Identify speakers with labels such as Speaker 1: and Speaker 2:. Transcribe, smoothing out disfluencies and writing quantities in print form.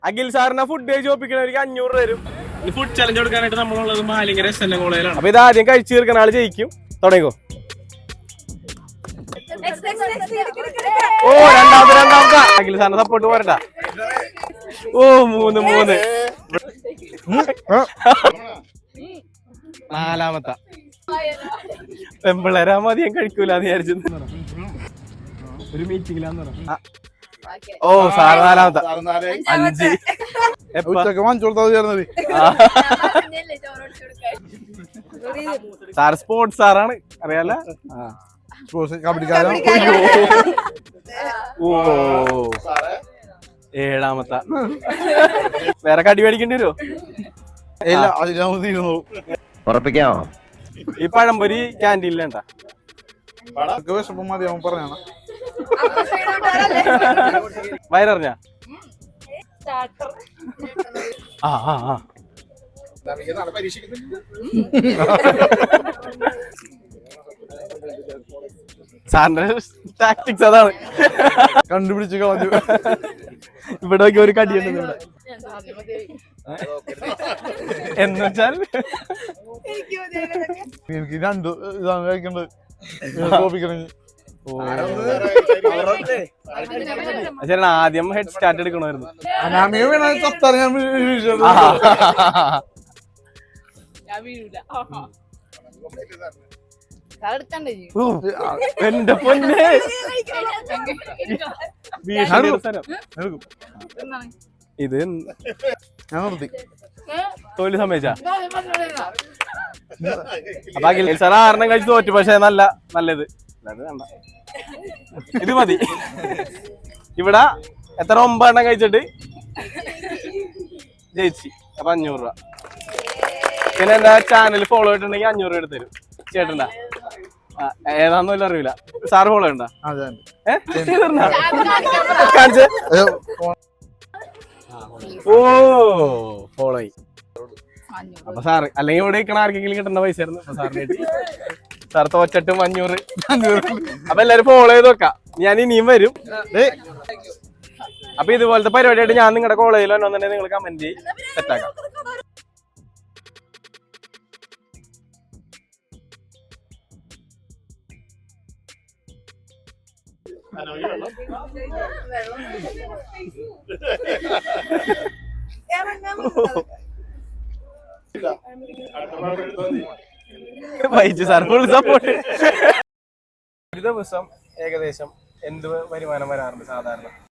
Speaker 1: അഖിൽ സാറിന് ഫുഡ് കഴിച്ച് ഒപ്പിക്കണവർക്ക് 500 തരും.
Speaker 2: ഫുഡ് ചലഞ്ച് കൊടുക്കാനായിട്ട് നമ്മളുള്ളത് മാലിങ്കര SN കോളേജിലാണ്.
Speaker 1: അപ്പൊ ഇത് ആദ്യം കഴിച്ചു തീർക്കുന്ന ആള് ജയിക്കും. തുടങ്ങിക്കോ. ഓ രണ്ടാമത്തെ അഖിൽ സാറിന് സപ്പോർട്ട് പോരണ്ട. ഓ 3 നാലാമത്തെ പെമ്പിള്ളേരാ മതിയം കഴിക്കൂലെന്ന് വിചാരിച്ചു. ഒരു മീറ്റിംഗിലാന്ന് പറ. ഓ സാറ് നാലാമത്തെ 5 സാർ സ്പോർട്സ് സാറാണ് അറിയാലോ. ഓ 7ാമത്തെ വേറെ കടി മേടിക്കേണ്ടി വരുമോ?
Speaker 3: ഉറപ്പിക്കാമോ?
Speaker 1: ഈ പഴംപൊരി ക്യാൻറ്റീനിലേണ്ട വയറിഞ്ഞ സാറിന്റെ ടാക്ടിക്സ് അതാണ്.
Speaker 4: കണ്ടുപിടിച്ച് കളഞ്ഞു.
Speaker 1: ഇവിടെ ഒരു കടിയുണ്ട് ഇവിടെ. എന്നുവെച്ചാൽ
Speaker 4: എനിക്ക് 2 ഇതാണ് കഴിക്കേണ്ടത്.
Speaker 1: ആദ്യം ഹെഡ് സ്റ്റാർട്ട് എടുക്കണമായിരുന്നു. എന്റെ പൊന്നെ ഇത് തോൽവി സമ്മതിച്ചാ. അപ്പൊ അഖിൽ സാർ 6 കഴിച്ച് തോറ്റു. പക്ഷെ നല്ലത് ഇത് മതി. ഇവിടെ എത്ര 9 കഴിച്ചിട്ട് ജയിച്ചു. അപ്പൊ 500 രൂപ. പിന്നെ എന്താ ചാനൽ ഫോളോ ചെയ്തിട്ടുണ്ടെങ്കിൽ 500 രൂപ എടുത്ത് തരും. ചേട്ടണ്ടാ ഏതാന്നല്ല അറിയില്ല. സാറ് ഫോളോ ചെയ്യണ്ട. ഓ ഫോളോ ചെയ്. അപ്പൊ സാറ് അല്ലെങ്കിൽ ഇവിടെ ഇരിക്കണ ആർക്കെങ്കിലും കിട്ടുന്ന പൈസ ആയിരുന്നു. അപ്പൊ സാറിന് കിട്ടി. സാർ തോച്ചിട്ടും 500. അപ്പൊ എല്ലാരും ഫോളോ ചെയ്ത് നോക്കാം. ഞാൻ ഇനിയും വരും. അപ്പൊ ഇതുപോലത്തെ പരിപാടിയായിട്ട് ഞാൻ നിങ്ങളുടെ കോളേജിൽ വന്നോന്നുണ്ടെങ്കിൽ നിങ്ങൾ കമന്റ് ചെയ്ത് സെറ്റാക്കാം. Vaiju sir full support. ഒരു ദിവസം ഏകദേശം എന്ത് വരുമാനം വരാറുണ്ട് സാധാരണ?